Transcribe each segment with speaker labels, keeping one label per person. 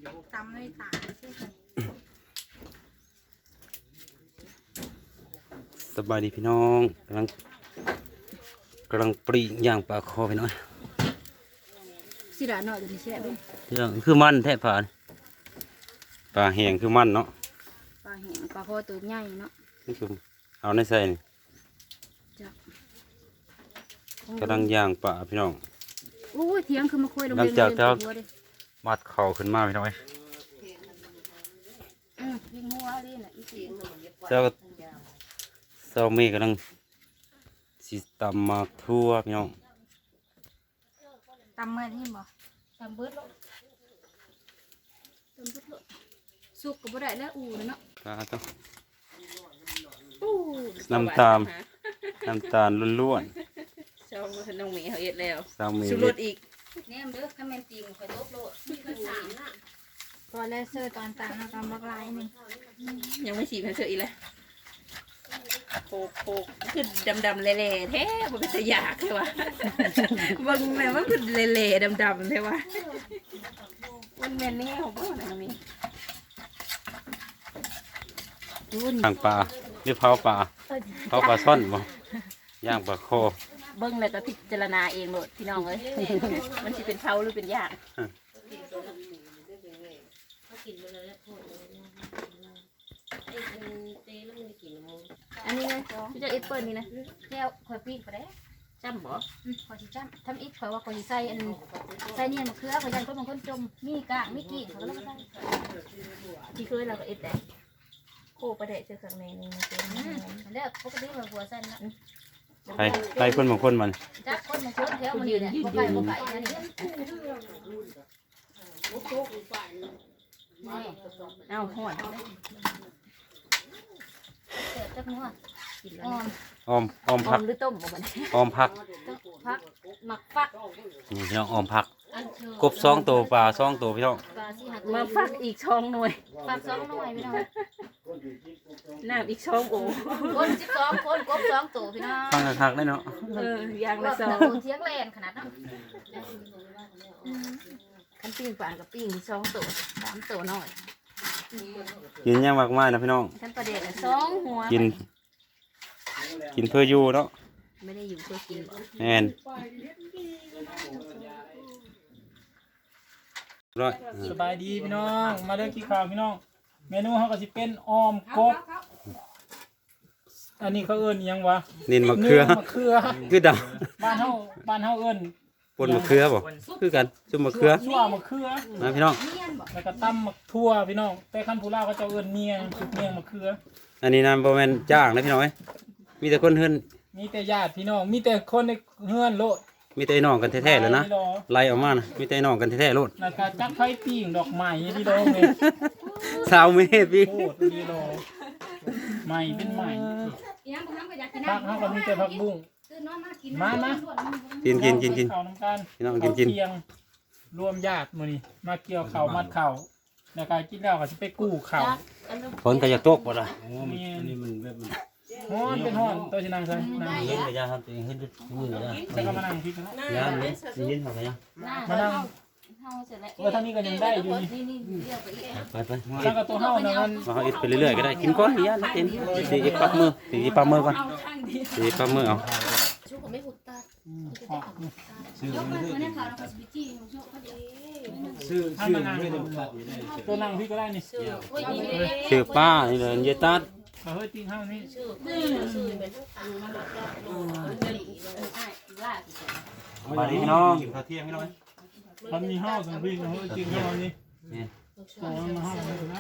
Speaker 1: ตำด้วยตา
Speaker 2: สบายดีพี่น้องกำลังปรีย่างปลาคอพี่น้อง
Speaker 1: สิระหน่อยจะมีแช่ด้วย
Speaker 2: ย่างคือมันแท้ผ่านปลาแห้งคือมันเนาะ
Speaker 1: ปลาแห้งปลาคอตัวใหญ่เนาะ
Speaker 2: นี่คือเอาในใส่นี่กำลังย่างปลาพี่น้อง
Speaker 1: โอ้ยเทียงคือมาคุยลง
Speaker 2: หลังจากที่มัดเข่าขึ้นมาพี่น้อง
Speaker 1: ยิงหัวนี่แหละอีสี
Speaker 2: เจ้าเจ้าเมฆกำลังสิตำมาทั่วพี่น้อง
Speaker 1: ตำเมื่อนี่บ่ตำเบิดสุกก็บ่ได้แล้วอูเนาะ
Speaker 2: ปลาต้องน้ำตาลล้วน
Speaker 3: ๆชอบน้องหมีเขาเอ็ดแล้ว
Speaker 2: สุ
Speaker 3: รสอีก
Speaker 1: แนมเด้อถ้าแม่นตีนข่อยตบโลดมีกัน3น่ะพอแล้วเซอร์ตอนตามกำบักลายนึง
Speaker 3: ยังไม่ฉีดให้เธออีกเลยโคกคือดำๆเละๆแท้บ่เป็นตะยากใช่ปะบางแม่ว่าคือเละๆดำๆใช่ปะมันแม่นนี่ของพ่อนะมี
Speaker 2: ย่างปลาหรือเผาปลาซ่อนบ่ย่างปลาโค
Speaker 3: เบิ้งเลยก็พิจารณาเองโหลดพี่น้องเลยมันจะเป็นเผาหรือเป็นย่างอันนี้ไงพี่จะเอ็ดเปิลนี่นะ
Speaker 1: แก้วข่อยปีกไปได้
Speaker 3: จำบ่
Speaker 1: ข่อยสิจ้ำทำอีกข่อยว่าข่อยสิใส่ใส่เนี่ยมะเขือข่อยยันคนบางคนจมมีกางมีกีดเขาก็แล้วก็ได้
Speaker 3: ที่เคยเราก็เอ็ดได้โคประเดะเจอข้างในนี่มันเป็น
Speaker 1: แล้วปกติมันหัวสั้นนะ
Speaker 2: ไปคนบางคนมัน
Speaker 1: จักคนบางคนแถวมันเนี่ยบ่ไปนั่นนี่
Speaker 3: เอาหอด
Speaker 1: จักนัว
Speaker 2: ออมผัก
Speaker 3: หรือต้มบ่มัน
Speaker 2: ออมผัก
Speaker 1: หมักฟัก
Speaker 2: นี่พี่น้องออมผักกบ2ตัวปลา2ตัวพี่น้อง
Speaker 3: มาฟักอีกช่องหน่วย
Speaker 1: ฟัก2หน่วยพี่น้อง
Speaker 3: น้ำอีกช่องโอ้
Speaker 1: คน12คนกบ2ตัวพี่น้อง
Speaker 2: ฟังคักๆได้เนาะ
Speaker 3: อย่างละ2
Speaker 1: เทียงแลนขนาดนั้น
Speaker 3: คันปิ้งปลากับปิ้ง2ตัว3ตัวน้อย
Speaker 2: กินยังมากมายนะพี่น้อง
Speaker 3: คันประเดะ2หัว
Speaker 2: กินเพื่ออยู่เนาะ
Speaker 3: ไม่ได้อยู่เพื่อกินบ่
Speaker 2: แม่นร้อย
Speaker 4: สบายดีพี่น้องมาเด้อกินข้าวพี่น้องเมนูเขาก็สิเป็นออมกบอันนี้เขาเอิ้นยังวะ
Speaker 2: นินมะเขือคือด
Speaker 4: ำบ้านเฮาเอิ้น
Speaker 2: ปนมะเขือบ่คือกันจุ่มมะเขือ
Speaker 4: ชั่วมะเขือ
Speaker 2: นะพี่น้อง
Speaker 4: แล้วก็ตำมะทั่วพี่น้องแต่คันผู้ลาวก็จะเอิ้นเมียงสุดเมียงมะเขือ
Speaker 2: อันนี้นะบ่แม่นจ้างนะพี่น้องมีแต่คนเฮือน
Speaker 4: มีแต่ญาติพี่น้องมีแต่คนในเฮือนโลด
Speaker 2: มีแต่น้องกันแท้ๆแล้วนะไล่ออกมานะมีแต่น้องกันแท้ๆโลด
Speaker 4: แล้วก็จักไฟปิ้งดอกไม้พี่น้องเอ้ย
Speaker 2: 20 เมตรพี่
Speaker 4: โคตรพี่น้องใหม่เป็นใหม่ผักเฮาก็มีแต่ผักบุ้งมา
Speaker 2: กิน
Speaker 4: ข้าวน้ำกัน
Speaker 2: พี่น้องกิน
Speaker 4: รวมญาติมื้อนี้มาเกี่ยวข้าวมัดข้าวแล้วก็กินแล้วก็สิไปกู้ข้าว
Speaker 2: ฝนก็อยากตกบ่ล่ะ
Speaker 4: นี่มันแบบฮ้อนเป็นฮ้อนตัวสินั่งใส่นั่ง
Speaker 2: เย็นก็อย่าทำตัวเองให้ดึกมือก็ได้
Speaker 4: แล้วก็มานั่งพี่กัน
Speaker 2: ยามนี้สิยินเฮาก็ยัง
Speaker 4: มานั่งทางนี้ก็ยังได้อยู่นี่
Speaker 2: ไป
Speaker 4: แล้วก็ตัวเฮานั่น
Speaker 2: มาเฮาอิดไปเรื่อยๆก็ได้กินก่อนอย่าละเต็มสิอิดปักมือก่อนสิปักมือเอา
Speaker 1: ชุกก็ไม่หุดตา
Speaker 4: ซื้อตัวนั่งพี่ก็ได้นี่
Speaker 2: ชื่อป้านี่เลยเยตัด
Speaker 4: เฮ้ยติ้งเฮานี่
Speaker 2: มาดิพี่น้องกินข้าวเที่ยงพี่น้อง
Speaker 4: มันมีเฮาสังพี่เฮ้ยติ้งเฮานี่โอ้มาเฮาได้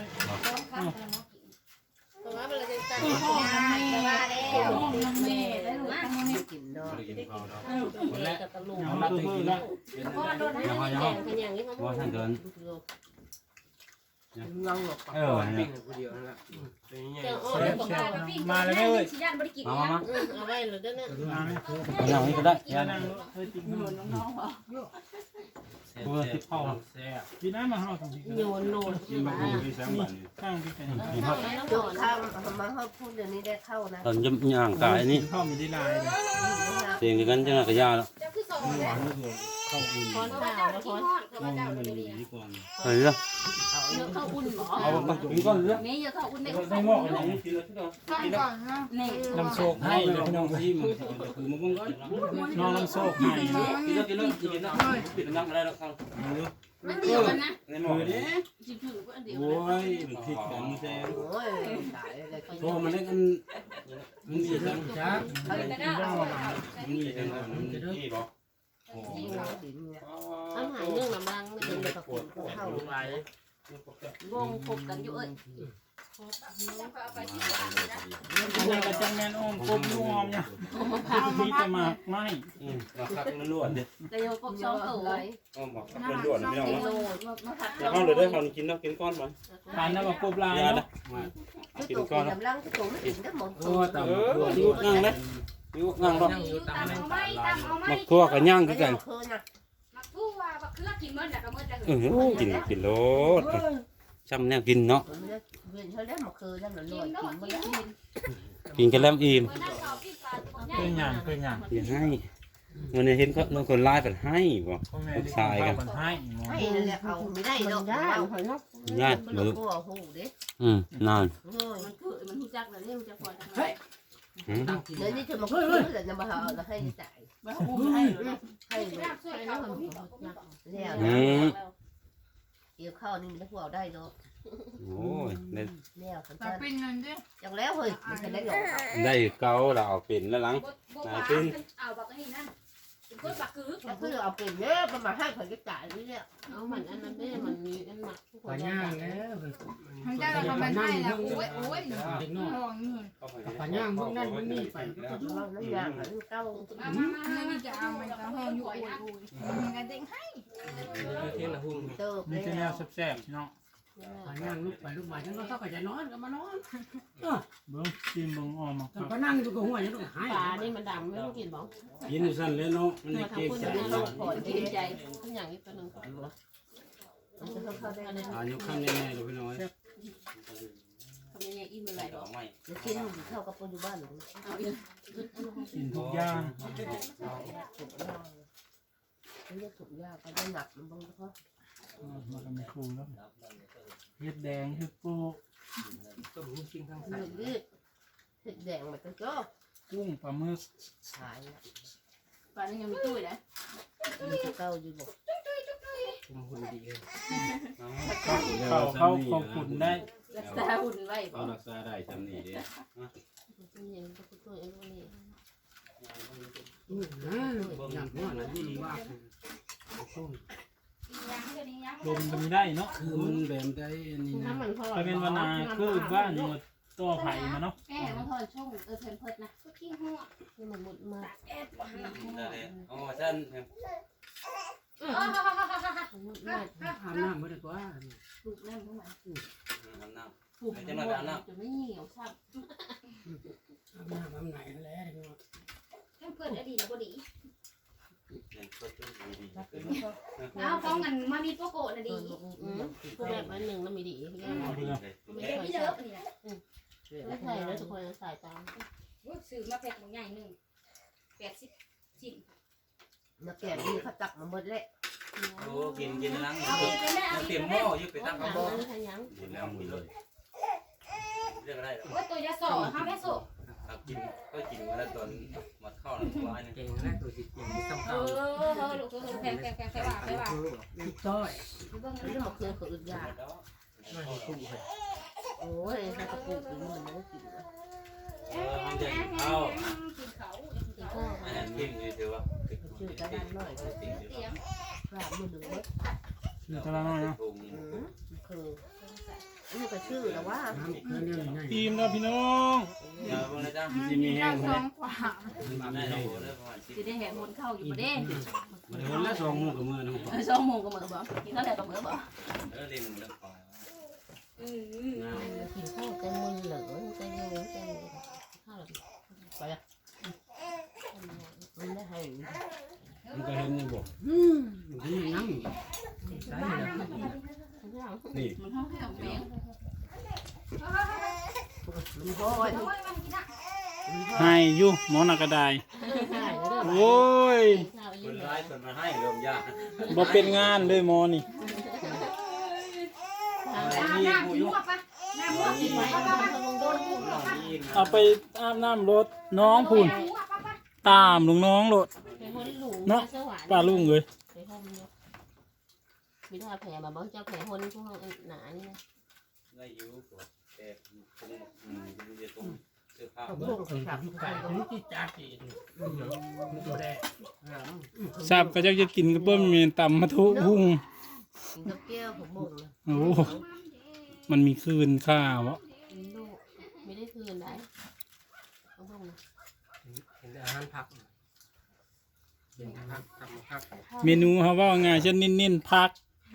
Speaker 3: กินดอก
Speaker 4: และเอาละกินละ
Speaker 2: ว่าท่านเดิน
Speaker 5: นั่งหลบปากปิ้งคนเดียวนั่นแหละ
Speaker 4: มาเลยเว้ย
Speaker 2: มา
Speaker 3: เอาไว้เลยเด้อเนี่ย
Speaker 2: อย่างนี้ก็ได้
Speaker 4: นั่งเฮ้ยติ้งน้องๆ
Speaker 2: ตัวที่เข้าแซ่บ
Speaker 4: กินน้ำมาเฮาทำ
Speaker 3: โยน
Speaker 4: กินมาพี่ข้างพี่กัน
Speaker 3: โยนข้าวมาเฮาพูดเดี๋ยวนี้ได้เข้านะ
Speaker 2: ตอนย่างกายนี่
Speaker 4: ข้าวมีได้ลาย
Speaker 2: เสียงกันจังกะยาแล้ว
Speaker 3: พรข้าวนะพร
Speaker 2: เฮ้ย
Speaker 3: เยอะเข้าอุ่นหรอ
Speaker 2: เอามากินก่อนเด้อ
Speaker 3: นี่เยอะเข้าอุ่นได้
Speaker 2: ได้หม้อกันยังกินแล้วที่เรา
Speaker 1: ก่อนนะ
Speaker 3: นี่
Speaker 4: น้ำโชคให้เลยพี่น้อง
Speaker 2: ที่มันคือมันก็
Speaker 4: น้องน้ำโชคให้
Speaker 2: กินแล้วปิดน้ำอะไรแล้วครับ
Speaker 3: มันเดียวกันนะ
Speaker 2: ในหม้อนี่
Speaker 3: จิ๋วก็อันเดียว
Speaker 2: โอ้ยมันผิดกันแซ่พอมันเล่นกันมันมีทั้งจ้ามันมีทั้งนี่บ่
Speaker 6: ăn hải nương làm băng mới được được cột hầu vong cột cắn chỗ ấy
Speaker 4: อันนี้ก็จังแม่นอ้อมกบนุ่งออมเนี่ยมีแต่หมากไม้
Speaker 2: มาคักมันล้วนเด้
Speaker 3: แต่โยกบสองตัวเลย
Speaker 2: อ้อมมาคักมันล้วนพี่น้อง
Speaker 3: โล
Speaker 2: เนาะ
Speaker 3: มาผัด
Speaker 2: เดี๋ยวเอาเลยเด้อเขากินแล้วกินก้อนมัน
Speaker 4: ปานนั้นก็กบลาย
Speaker 2: ยา
Speaker 4: เนาะ
Speaker 2: ละ
Speaker 6: cái
Speaker 2: กิน
Speaker 6: tổ
Speaker 2: ก้อน
Speaker 6: làm lăng cái tổ nó chỉnh đất một
Speaker 5: โอ้ตำ
Speaker 2: อยู่นั่งเด้อยู่นั่งบ่
Speaker 1: อยู่ตามเอาไม้ตามเอาไม้
Speaker 2: มักทั่วกับย่างคือกัน
Speaker 6: khơi nè
Speaker 1: มักทั่วบักเคือกินเมื่อไหร่ก็เมื่อไหร่
Speaker 2: กินโลดจำแนวกินเนาะ
Speaker 6: viện hơi đất một khơi ra là
Speaker 1: กิน
Speaker 6: lồi
Speaker 1: โดด
Speaker 6: chỉnh
Speaker 1: กิ
Speaker 6: mới
Speaker 1: น
Speaker 6: đất
Speaker 1: กิน
Speaker 2: กินกันแล้วอิ่ม
Speaker 1: เมื่อนั้นเขากินปลาตัวใหญ่
Speaker 4: เพื่อนหยางเพื่อนหยาง
Speaker 2: อย่าให้วันนี้เห็นก็น้องคนไล่แบบให้บ่
Speaker 4: พ่อแม่ได้กินข้าวกันให้หมอ
Speaker 6: hay là ẩu mới đây đâu ra phải nó
Speaker 2: ญาติ
Speaker 6: nó
Speaker 2: บ่
Speaker 6: cô ở hù đấy
Speaker 2: นาน
Speaker 6: rồi
Speaker 3: มันคือมันหูจักแล้วนี่มันจะพอจังเลย
Speaker 6: nếu như cho một khơi là nhà bà họ là hay chạy
Speaker 3: มาอุ้มให้เลย
Speaker 6: hay
Speaker 1: น้ำช่วยเขาบ่มีบอกบ่มีบอก
Speaker 6: leo yêu khâu nên nó vào đây rồi
Speaker 2: โอ้ยได้
Speaker 6: leo thằng
Speaker 1: ปลา
Speaker 6: chân
Speaker 1: เป็นนั่นเด้
Speaker 6: chẳng léo hơi mình phải lấy rồi
Speaker 2: ได้เกาแล้วเอาเป็นแล้วหลัง
Speaker 1: บ่หวานเอาบักนี่นั่นเป็นคนบักกึก
Speaker 6: nó cứ ở tiền nhé mà hai phải cái chạy đi leo
Speaker 3: เอามันอันนั้นได้มันมีอันหมักทุกค
Speaker 5: ปลาน ย่างแล้ว
Speaker 1: ทำได้แล้วก็มันให้แล้วโอ้ยโอ้ย
Speaker 5: เด็กน้อย
Speaker 1: ลองเงิน
Speaker 5: ปลาย่างพวกนั้นพวกนี้ไป
Speaker 6: nó vàng nó cao
Speaker 1: มานี่จะเอามันจะห้องอยู่โอ้ยโอ้ยมันก็เด้งให้
Speaker 5: เที่ยงละหุ่น
Speaker 6: tơ
Speaker 4: มีแต่แนวแซ่บๆพี่น้อง
Speaker 5: ปลาย่างลุกไปลุกมาฉันก็เข้าไปจะนอนก็มานอน
Speaker 4: เบิ่งชิมเบิ่งออมมาครับ
Speaker 5: ก็นั่งอยู่กับหัวยังต้องหาย
Speaker 3: ปลานี่มันดำไม่ต้องกินบ้าง
Speaker 2: กินสั่นเลยเนาะมัน
Speaker 3: มา
Speaker 2: เก่ง
Speaker 3: ทำคน
Speaker 2: ใจ
Speaker 3: อย่างนี้เราขอกินใจทุกอย่างนี้ตัวหนึ่งก่อน
Speaker 2: อายุขั้นแน่ๆเลยพี่น้อย
Speaker 3: ทำยังไงอิ่มอะไรบ้าง
Speaker 2: ไม่
Speaker 6: nó xin thì theo các cô chú ba luôn
Speaker 3: เอาอีก
Speaker 4: กินทุกอย่าง
Speaker 6: nó nhất thủng ra cái đây nạp nó bông thôi
Speaker 4: มากันไม่คูแล้วเฮ็ดแดงคือปู
Speaker 5: ต้มหุ้นชิงทั้งใส่
Speaker 6: mình biết thịt đèn mà tôi cho
Speaker 4: กุ้งปลาหมึก
Speaker 6: xài
Speaker 3: ปลานี่ยังมีตุ้ยนะ
Speaker 6: mình cho câu gì bộ
Speaker 5: คุมหุ่นดีเลย
Speaker 4: เข้าขอบคุณได้
Speaker 3: รักษาหุ่นไว้
Speaker 2: เอารักษาได้จำนี่เด้
Speaker 6: nhìn cho tôi em luôn nè
Speaker 5: อย่างนี้นะนี่ว่าส้ม
Speaker 4: ลมก็มีได้เนาะ
Speaker 2: คือมันแบบได้นี่นะ
Speaker 3: น้ำมันพอ
Speaker 4: ไปเป็นวนาคือบ้านอยู่ต่อไผ่มาเนาะ
Speaker 3: แม่มันพอช่วงเพนเพิร์ดนะ
Speaker 1: ก็ขี้หัว
Speaker 6: nhưng mà một mà
Speaker 2: อ๋อท่าน
Speaker 6: một mà
Speaker 5: อาบน้ำไม่ได้กว่า
Speaker 3: ปลูกนั่นเข้ามา
Speaker 2: น้ำ
Speaker 3: ปลูกมันจะไม่เหี่ยวซ้ำ
Speaker 5: อาบน้ำอาบไหนแล้ว
Speaker 1: เพื่อนอดีตแล้วบ่ดี
Speaker 2: เนี่ยก็ต้องดี
Speaker 1: เอาของกันมามีโปโกะน่ะดี
Speaker 3: พวกแบบนั้นหนึ่งแล้วมีดี
Speaker 4: เอาไปเลย
Speaker 1: ไม่เยอะนี่นะ
Speaker 3: ไม่ใช่แล้วทุกคนใส่ตาม
Speaker 1: ซื้อมาแพ็คใหญ่นึง80ชิ้น
Speaker 6: nó kẹp đi khát tặc mà mất đấy
Speaker 2: โอ้กินล้าง
Speaker 1: เอาอีกเลยเอา
Speaker 2: เตรี
Speaker 1: อี
Speaker 2: ย
Speaker 1: ก
Speaker 2: มห
Speaker 1: เล
Speaker 2: ม้อย ยึดไปตั้ง
Speaker 3: น้ำ
Speaker 2: บ่
Speaker 3: มันขยัน
Speaker 2: กินแล้วมีเลยเรื่องอะไร
Speaker 1: ว่าตัวยาสอเฮาแม่โซ
Speaker 2: กินก็กินมาแล้วตอนมาเข้าหลังบ้านเนี่ย
Speaker 5: เก่งนะตัวจิตเก่งที่สำ
Speaker 1: เอ
Speaker 5: คัญ
Speaker 1: อลูกแพงว่า
Speaker 5: ต้อย
Speaker 1: เบิ่ง
Speaker 6: nó một khơi khơi ra
Speaker 5: ไม่คุ้มเลย
Speaker 6: ôi sao các cô cứ mình nó kịp
Speaker 2: มันจะเอา
Speaker 1: กินเขา
Speaker 6: thì thôi
Speaker 2: อันนั้นกินเลยเดี๋ยวว่า
Speaker 6: chưa cái ăn nói
Speaker 1: เตียง
Speaker 6: và mua đường mất
Speaker 4: คือตะละน้อยเนาะ
Speaker 6: khơi nhưng mà chưa là quá
Speaker 5: น้ำเพื่อนเนี่ยง่าย
Speaker 4: ทีมเราพี่น้อง
Speaker 2: อย่าเพิ่งเลยจ้าจะมีแห้ง
Speaker 1: ส
Speaker 2: เล
Speaker 1: อย งกว่า
Speaker 2: ได้เราเลยประมาณ10
Speaker 3: จะได้แหกมนเข้าอยู่ประเด้
Speaker 2: มันคนละ2มือกับมือนะผม
Speaker 3: ช่องโมงก็เหมือนบ่กินข้าวแหลกก็เหมือนบ่
Speaker 2: เล่นเรื่องปลา
Speaker 6: thì thôi cái mưa lửa cái mưa cái phải à mình đã hay
Speaker 2: มันก็เห็นนี่บ่
Speaker 5: นี่นั่งใช่เลย
Speaker 2: นี่
Speaker 3: มันห้องแห้งแมง
Speaker 6: mình thôi
Speaker 4: ให้อยู่หมอนากระไดโอ้ย
Speaker 2: คนร้ายคนมาให้เริ่มยาก
Speaker 4: บ่เป็นงานเลยหมอนี่
Speaker 2: เ
Speaker 1: น้ำหัวปะน้ำหัวกินไว้ปะโดนหัวปะ
Speaker 4: เอาไปอาบน้ำรถน้องพูนตามลุงน้องรถ
Speaker 6: ไปคนหลู
Speaker 4: ป้าลุงเลย
Speaker 6: ไปห้องเนาะมีทอดแผลมาบอกเจ้าแผลคนพวกหนานี่นะ
Speaker 2: ได้อยู่แต่คงมันจะตรงเสื้อผ้า
Speaker 5: พวกขับไก่นี่ที่จ้าจีนตัวแดง
Speaker 4: ทราบก็จะกินกระเบิ้มมีตำมะทุหุ่ง
Speaker 6: กินกับแก้วผมบ่งนะ
Speaker 4: โอ้มันมีคืนข้าวะ
Speaker 6: ลูกไม่ได้คืนไหนผมบ่งนะ
Speaker 5: เห็นอาหารผักเห็นผักทำผัก
Speaker 4: เมนูเขาว่าไงเช่นนิ่นๆผัก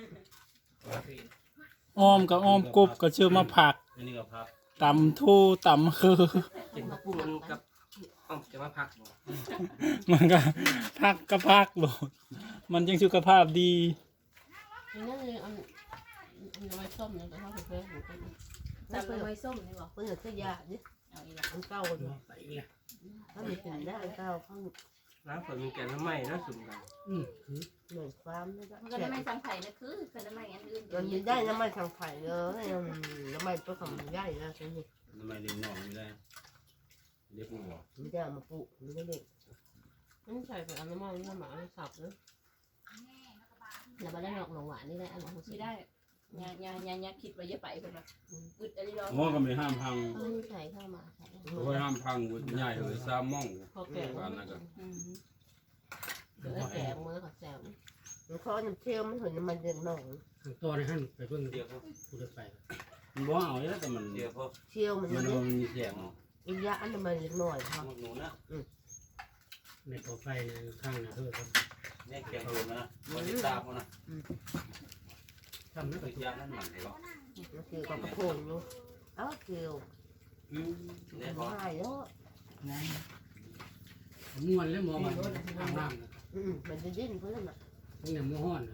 Speaker 4: อ้อมกับอ้อมกบก็เชื่อมาผัก
Speaker 2: อันนี้ก็พัก
Speaker 4: ตำทูตำคือ
Speaker 5: กินผักบุ้งมันกับจะมาผัก
Speaker 4: มันก็ผักก็ผักโหลดมันยังสุขภาพดี
Speaker 6: นี่นั่นเลยอันน้อยส้มเนี่ยแต่ถ้าเพื่อนผมก็
Speaker 1: จับเลยไว้ส้มนี่บอก
Speaker 6: เพื่อนจะยาดิ
Speaker 1: เอาอีกแล้ว
Speaker 6: อันเก่าเลย
Speaker 5: ใส่เนี่ย
Speaker 6: ถ้ามีเป็นได้อันเก่าข้าง
Speaker 5: น้ำฝนมีแกงทำไมนะสุ่มกัน
Speaker 6: เหมือนความนี่ก็
Speaker 1: มันก็ไม่ซ้ำไข่นะคือก็ไม่อันอื่น
Speaker 6: มันมีได้น้ำมันทางไผ่เลยน้ำมันตัวของมันได้นะใช่ไหม
Speaker 2: ทำไมดึงน้องไม่ได้เรียกผู้บอก
Speaker 6: ไม่ได้มาปลูกไม่ได้เด็กมันใส่ไปเอาน้ำมันน้ำหมาสับเลยแล้วมาได้หนอกหนองหวานนี่ได้อันของ
Speaker 1: ไม่ได้ยาคิดว่าจะไปคนละอึดอะไรหรอ
Speaker 2: ง้อก็ไม่ห้ามพัง
Speaker 6: เขาใส่เข้ามาใส่
Speaker 2: โอ้ยห้ามพังใหญ่เลยซ้ำม่อง
Speaker 6: พอแก่
Speaker 2: กันนะก็
Speaker 6: เดี๋ยวแก่มือขอแซวมันเขาจะเที่ยวมันถึงมันเดือดหนอง
Speaker 5: ตัวในหั่นไปเพิ่ง
Speaker 2: เดียวพวก
Speaker 5: กูจะไป
Speaker 2: มันบ่เอาแล้วแต่มันเดียวพวก
Speaker 6: เที่ยวมัน
Speaker 2: มัน
Speaker 6: เนี่ย
Speaker 2: มีเสียง
Speaker 6: อีกอย่างอันนั้นมันเล็กน้อยครับ
Speaker 2: หนูนะ
Speaker 5: ในตัวไฟข้างนะเธอครับ
Speaker 2: เนี่ยเกียงโดนนะคนที่ตามมันนะ
Speaker 5: ทำนั่น
Speaker 2: ไป
Speaker 5: ก็
Speaker 2: ยานั่นหมันเลยก็
Speaker 6: มันคือกับกระโปงอยู่เอ้าเที่ยว
Speaker 2: เนี่ยพอ
Speaker 6: ง่ายเนาะ
Speaker 5: ม้วนแล้วหมอมันทำน้ำนะ
Speaker 6: มันจะดิ้นเพื่อนอ่ะ
Speaker 5: ทั้งเนี่ยม้วนนะ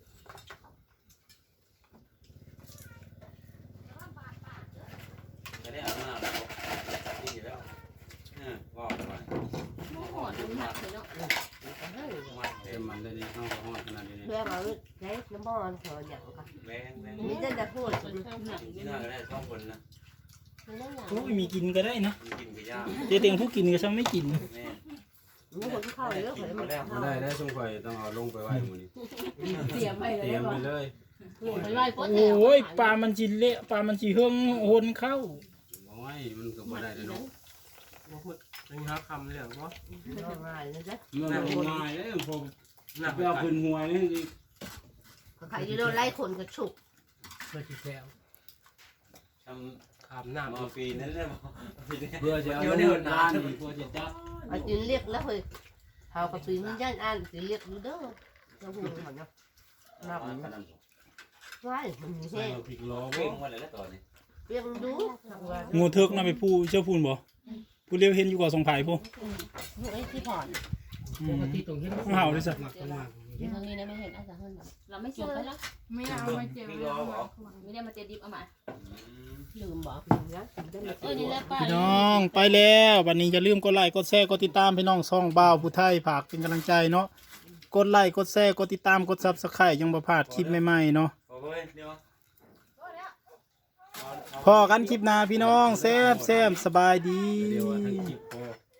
Speaker 2: จะได้เอาหน้าแล้วนี่แล้วว่าไป
Speaker 1: โม่หอดมันหักเลยเนาะ
Speaker 2: เต็มมันได้ดีเข้าห้องขนาดนี้
Speaker 6: เพื่อมาใช้น้ำมันเถอะอย่างค่ะ
Speaker 2: แรงแรง
Speaker 6: มีแต่จะพูด
Speaker 2: ที่น่าจะได้สองคนนะ
Speaker 4: โอ้ยมีกินก็ได้นะ
Speaker 2: กินกับย่า
Speaker 4: เจ๊เตียงผู้กินก็ช่างไม่กิน
Speaker 2: แม่
Speaker 6: มีคนเข้าเยอะเลยมัน
Speaker 2: ไม่ได้ได้สงสัยต้องเอาลงไปไว้หมดนี่
Speaker 1: เสียไปเลย
Speaker 2: เตรียมไปเลย
Speaker 6: ไล่ก็
Speaker 4: โอ้ยปลามันจีเละปลามันจีเฮืองโหนเข้า
Speaker 2: โอ้ยมันก็บ่ได้เลยเนาะ
Speaker 5: มาพูดเป็นหาคำเลยเหรอวะ
Speaker 6: ง่ายนะจ๊ะ
Speaker 2: มันง่ายเลยผมไปเอาพื้นหัวนี่
Speaker 6: ใครจะโดนไล่คนกระฉุก
Speaker 5: เพื่อที่แถว
Speaker 2: ทำ
Speaker 5: ขามหน้า
Speaker 2: มาปีนั้นได้บ่เพื่อจะเอาเงินล้านเพื่อจะจับ
Speaker 6: อาจินเรียกแล้วเฮ้ยเขากระปีนี่ย่านอันจะเรียกดูเด้อเจ้าหูเหมือนเนาะนับไว้มันมี
Speaker 2: ใส่
Speaker 6: แห้ง
Speaker 2: พริกล้อเว้งมาเลยแล้วตอนนี้
Speaker 6: เปียงดูทางวัน
Speaker 4: งูเทิกน่ะไปผู้เจ้าพูนบ่ผู้เลี้ยวเห็นอยู่กว่าสองไผ่ผู้
Speaker 6: ไอ้ที่ผ่อน
Speaker 5: ปกติตรงนี้
Speaker 4: เห่าเลยสิ
Speaker 5: มากมาก
Speaker 6: ทางนี้นะไม่เห็นอาจจะเห็นแบบ
Speaker 1: เราไม่
Speaker 6: จ
Speaker 1: เชื่
Speaker 6: บ
Speaker 1: อ
Speaker 6: ไปแล้ว
Speaker 1: ไม่เอาไม่เจ็บ
Speaker 2: พริกล้อบ่
Speaker 1: ไม่ได้มาเจ็บดิบเอามา
Speaker 6: ลืมบอกนะนี่แหละป้า
Speaker 4: พี่น้องไปแล้ววันนี้อย่าลืมกดไลค์กดแชร์กดติดตามพี่น้องซ่องบ่าวผู้ไทยฝากเป็นกำลังใจเนาะกดไลค์กดแชร์กดติดตามกดซับสไครต์ยังบ่พลาดคลิปใหม่ๆเนาะ
Speaker 2: โอ้ยเดี๋ยว
Speaker 4: พอกันคลิปหน้าพี่น้องแซ่บสบายดี
Speaker 2: เดี๋ยวทั้งคลิปพอ